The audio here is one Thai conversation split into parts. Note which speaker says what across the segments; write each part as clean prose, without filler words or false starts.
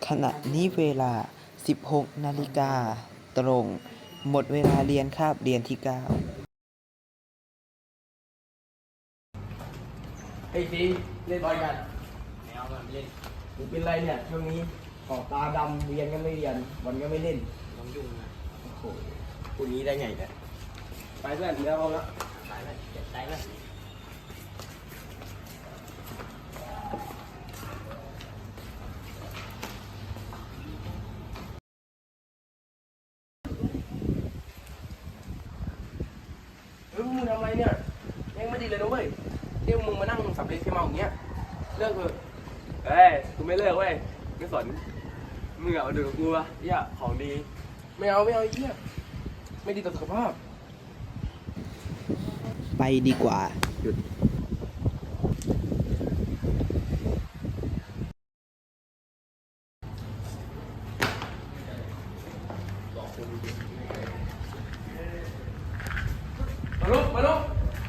Speaker 1: ขณะนี้เวลา 16 นาฬิกาตรง หมดเวลาเรียนคาบเรียนที่ 9
Speaker 2: ไอ้ซีเล่นบอลกันไม่เอามันเล่นมึงเป็นไรเนี่ยช่วงนี้ขอบตาดำเรียนก็ไม่เรียนบอลก็ไม่เล่นน้องยุ่งนะโอ้โหพูดนี้ได้ไงเนี่ยไปเพื่อนเดี๋ยวเอาละไปเลยเจ็บใจเลยมึงทำอะไรเนี่ยยังไม่ดีเลยนะเว้ยเที่ยวมึงมานั่งสับเล็กที่เมาอย่างเงี้ยเลิกเถอะเอ้ยกูไม่เลิกเว้ยไม่สนมึงเอาดูกูวะเหี้ยของดีไม่เอาไอ้เหี้ยไม่ดีต่อสุขภาพ
Speaker 1: ไปดีกว่าหยุด
Speaker 2: มาลุก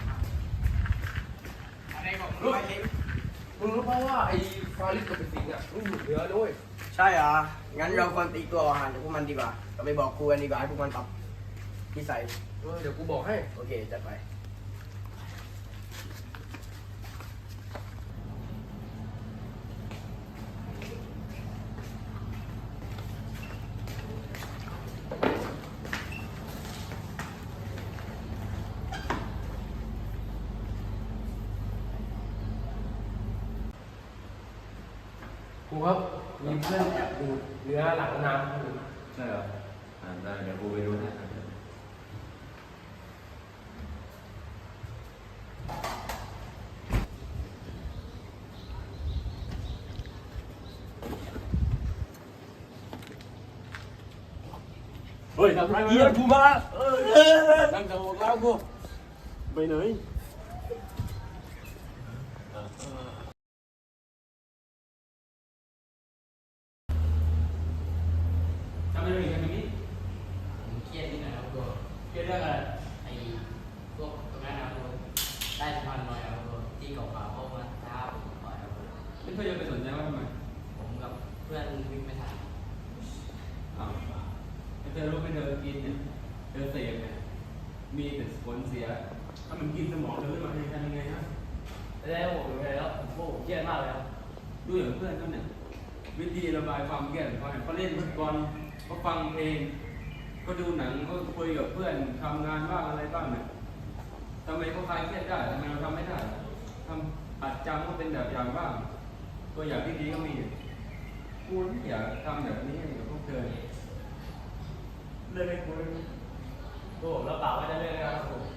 Speaker 2: อะไรบอกลุกมึงรู้ป่าวว่าไอ้ฟาริสกับเป็นสิงห์อ่ะมึงอยู่เหนือด้วยใช่เหรองั้นเราควรตีตัวห่างจากพวกมันดีกว่าเราไปบอกครูกันดีกว่าให้พวกมันปรับนิสัยเดี๋ยวกูบอกให้โอเคจัดไปครูครับมีเพื่อนแอบดูเนื้อหลังน้ำ
Speaker 3: ใช่เหรอได้เดี๋ยวกูไปดูนะเฮ้ยทำไรเหี้ยกูมานั่งจะบอกแล้วกูไปไหนทำไมถึงทำอย่างนี้
Speaker 4: ผมเครียดนิดหน่อยครับครูเครียดเรื่องอะไรไอ้พวกตรงนั้นนะครับครูได้สะพานลอยครับครูที่เก่าๆเขามาท้าผมต่อยครับครู
Speaker 3: ไม่เคยจะไปสนใจว่าทำไม
Speaker 4: ผมกับเพื่อนวิ่งไม่ทัน
Speaker 3: อ้าวไม่เคยรู้ไม่เคยกินเนี่ยเธอเสพเนี่ยมีแต่ผลเสียถ้ามันกินสมองเธอขึ้นมาจะทำยังไงฮะ
Speaker 4: แล้วผมเลยแล้วผมเครียดมากเลยครับ
Speaker 3: ดูอย่างเพื่อนเขาเนี่ยวิธีระบายความเครียดของเขาเนี่ยเขาเล่นฟุตบอลเขาฟังเพลงเขาดูหนังเขาคุยกับเพื่อนทำงานบ้างอะไรบ้างเนี่ยทำไมเขาคลายเครียดได้ทำไมเราทำไม่ได้ทำอัดจำก็เป็นแบบอย่างบ้างตัวอย่างที่ดีก็มีกูไม่อยากทำแบบนี้กับพวกเธอเลิกให้กูเลย
Speaker 4: ครูผมรับปากว่าจะเลิกนะครับครู